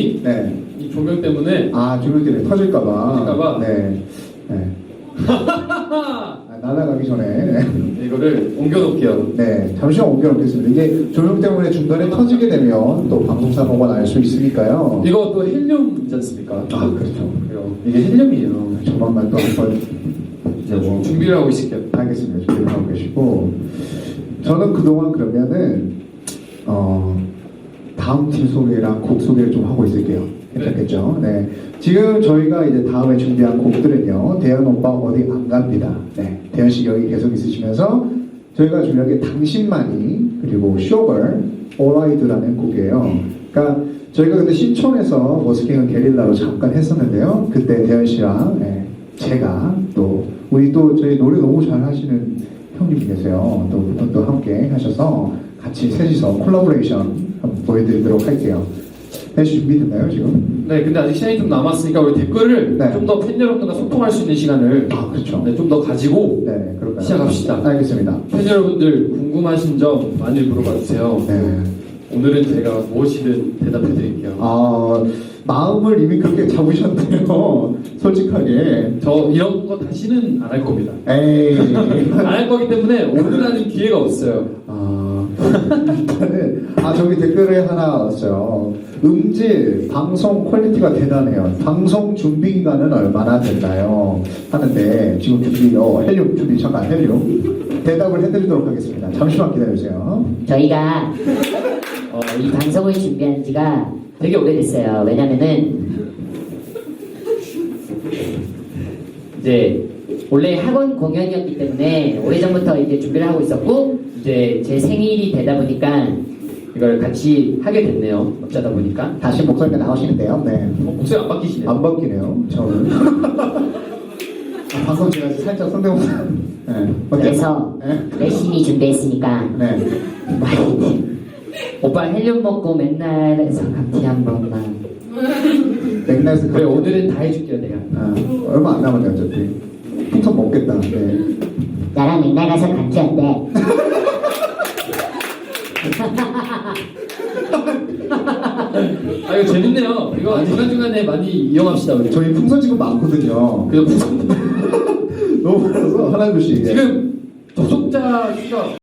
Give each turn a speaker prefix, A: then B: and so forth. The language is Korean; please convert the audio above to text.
A: 조명이
B: 네.
A: 이 조명 때문에
B: 아, 조명 때문에 터질까봐.
A: 터질까봐.
B: 네. 네. 아, 날아가기 전에. 네.
A: 이거를 옮겨놓을게요.
B: 네, 잠시만 옮겨놓겠습니다. 이게 조명 때문에 중간에 터지게 되면 또 방송사고가 날 수 있으니까요.
A: 이거 또 헬륨이지 않습니까?
B: 아, 그렇죠.
A: 그래요. 이게 헬륨이에요.
B: 조만간 또 한번 이제 뭐
A: 준비를 하고 있을게요.
B: 알겠습니다. 준비를 하고 계시고 저는 그동안 그러면은 다음 팀 소개랑 곡 소개를 좀 하고 있을게요. 괜찮겠죠? 네. 지금 저희가 이제 다음에 준비한 곡들은요. 대현 오빠 어디 안 갑니다. 네. 대현 씨 여기 계속 있으시면서 저희가 준비한 게 당신만이 그리고 쇼걸 오라이드라는 곡이에요. 그러니까 저희가 근데 신촌에서 머스킹은 게릴라로 잠깐 했었는데요. 그때 대현 씨랑 네, 제가 또 우리 또 저희 노래 너무 잘 하시는 형님이 계세요. 또 그분도 함께 하셔서 같이 셋이서 콜라보레이션 한번 보여드리도록 할게요. 대현 씨 준비됐나요 지금?
A: 네, 근데 아직 시간이 좀 남았으니까 우리 댓글을
B: 네.
A: 좀 더 팬 여러분들과 소통할 수 있는 시간을
B: 그렇죠.
A: 네, 좀 더 가지고
B: 네, 그럴까요?
A: 시작합시다.
B: 알겠습니다.
A: 팬 여러분들 궁금하신 점 많이 물어봐 주세요.
B: 네.
A: 오늘은 제가 무엇이든 대답해 드릴게요.
B: 마음을 이미 그렇게 잡으셨네요. 솔직하게.
A: 저 이런 거 다시는 안 할 겁니다.
B: 에이.
A: 안 할 거기 때문에 오늘 하는 기회가 없어요.
B: 일단은 저기 댓글에 하나 왔어요. 음질, 방송 퀄리티가 대단해요. 방송 준비 기간은 얼마나 됐나요? 하는데 지금 준비, 헬륨 준비 잠깐 헬륨 대답을 해드리도록 하겠습니다. 잠시만 기다려주세요.
C: 저희가 이 방송을 준비한 지가 되게 오래됐어요. 왜냐면은 이제 원래 학원 공연이었기 때문에 오래전부터 이제 준비를 하고 있었고 이제 제 생일이 되다 보니까 이걸 같이 하게 됐네요. 어쩌다 보니까
B: 다시 목소리가 나오시는데요. 네.
A: 목소리 안 바뀌시네요.
B: 안 바뀌네요. 저는. 방금 제가 살짝 성대모사. 네.
C: 그래서
B: 네.
C: 열심히 준비했으니까
B: 네.
C: 오빠 헬륨 먹고 맨날 해서 같이 한 번만.
B: 맥날스
A: 그래, 오늘은 다 해줄게요, 내가.
B: 얼마 안 남았네 어차피. 풍선 먹겠다. 네.
C: 나랑 맨날 가서 같이 한대.
A: 이거 재밌네요. 이거 중간중간에 많이 이용합시다, 우리.
B: 저희 풍선 지금 많거든요.
A: 그래서 무슨
B: 너무 많아서 하나 둘씩.
A: 지금 접속자 수가